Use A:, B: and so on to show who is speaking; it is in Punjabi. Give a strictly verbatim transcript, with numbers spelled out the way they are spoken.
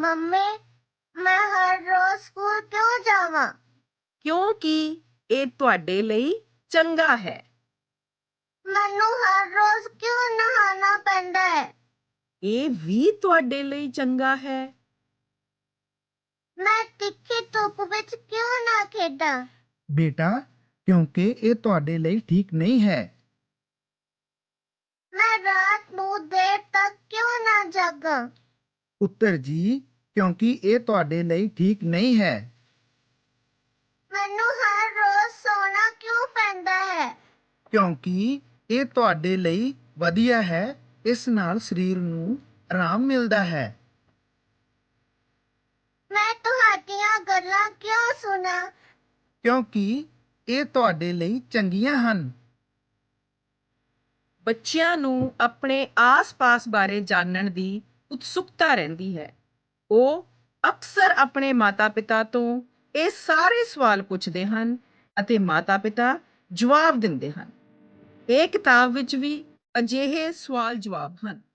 A: ਮੰਮੀ, ਮੈਂ ਹਰ ਰੋਜ਼ ਸਕੂਲ ਕਿਉਂ ਜਾਵਾਂ?
B: ਕਿਉਂਕਿ ਇਹ ਤੁਹਾਡੇ ਲਈ ਚੰਗਾ ਹੈ।
A: ਮੈਨੂੰ ਹਰ ਰੋਜ਼ ਕਿਉਂ ਨਹਾਉਣਾ ਪੈਂਦਾ ਹੈ?
B: ਇਹ ਵੀ ਤੁਹਾਡੇ ਲਈ ਚੰਗਾ ਹੈ।
A: ਮੈਂ ਤਿੱਖੀ ਧੁੱਪ ਵਿੱਚ ਕਿਉਂ ਨਾ ਖੇਡਾਂ?
C: ਬੇਟਾ, ਕਿਉਂਕਿ ਇਹ ਤੁਹਾਡੇ ਲਈ ਠੀਕ ਨਹੀਂ ਹੈ।
A: ਮੈਂ ਰਾਤ ਨੂੰ ਦੇਰ ਤੱਕ ਕਿਉਂ ਨਾ ਜਾਗਾਂ?
C: ਪੁੱਤਰ ਜੀ, ਕਿਉਂਕਿ ਇਹ ਤੁਹਾਡੇ ਲਈ ਠੀਕ ਨਹੀਂ ਹੈ।
A: ਮੈਨੂੰ ਹਰ ਰੋਜ਼ ਸੌਣਾ ਕਿਉਂ ਪੈਂਦਾ ਹੈ?
C: ਕਿਉਂਕਿ ਇਹ ਤੁਹਾਡੇ ਲਈ ਵਧੀਆ ਹੈ। ਇਸ ਨਾਲ ਸਰੀਰ ਨੂੰ ਆਰਾਮ ਮਿਲਦਾ ਹੈ।
A: ਮੈਂ ਤੁਹਾਡੀਆਂ ਗੱਲਾਂ ਕਿਉਂ ਸੁਣਾ?
C: ਕਿਉਂਕਿ ਇਹ ਤੁਹਾਡੇ ਲਈ ਚੰਗੀਆਂ ਹਨ।
B: ਬੱਚਿਆਂ ਨੂੰ ਆਪਣੇ ਆਸ-ਪਾਸ ਬਾਰੇ ਜਾਣਨ ਦੀ ਉਤਸੁਕਤਾ ਰਹਿੰਦੀ ਹੈ। ਉਹ ਅਕਸਰ ਆਪਣੇ ਮਾਤਾ-ਪਿਤਾ ਤੋਂ ਇਹ ਸਾਰੇ ਸਵਾਲ ਪੁੱਛਦੇ ਹਨ ਅਤੇ ਮਾਤਾ-ਪਿਤਾ ਜਵਾਬ ਦਿੰਦੇ ਹਨ। ਇਹ ਕਿਤਾਬ ਵਿੱਚ ਵੀ ਅਜਿਹੇ ਸਵਾਲ ਜਵਾਬ ਹਨ।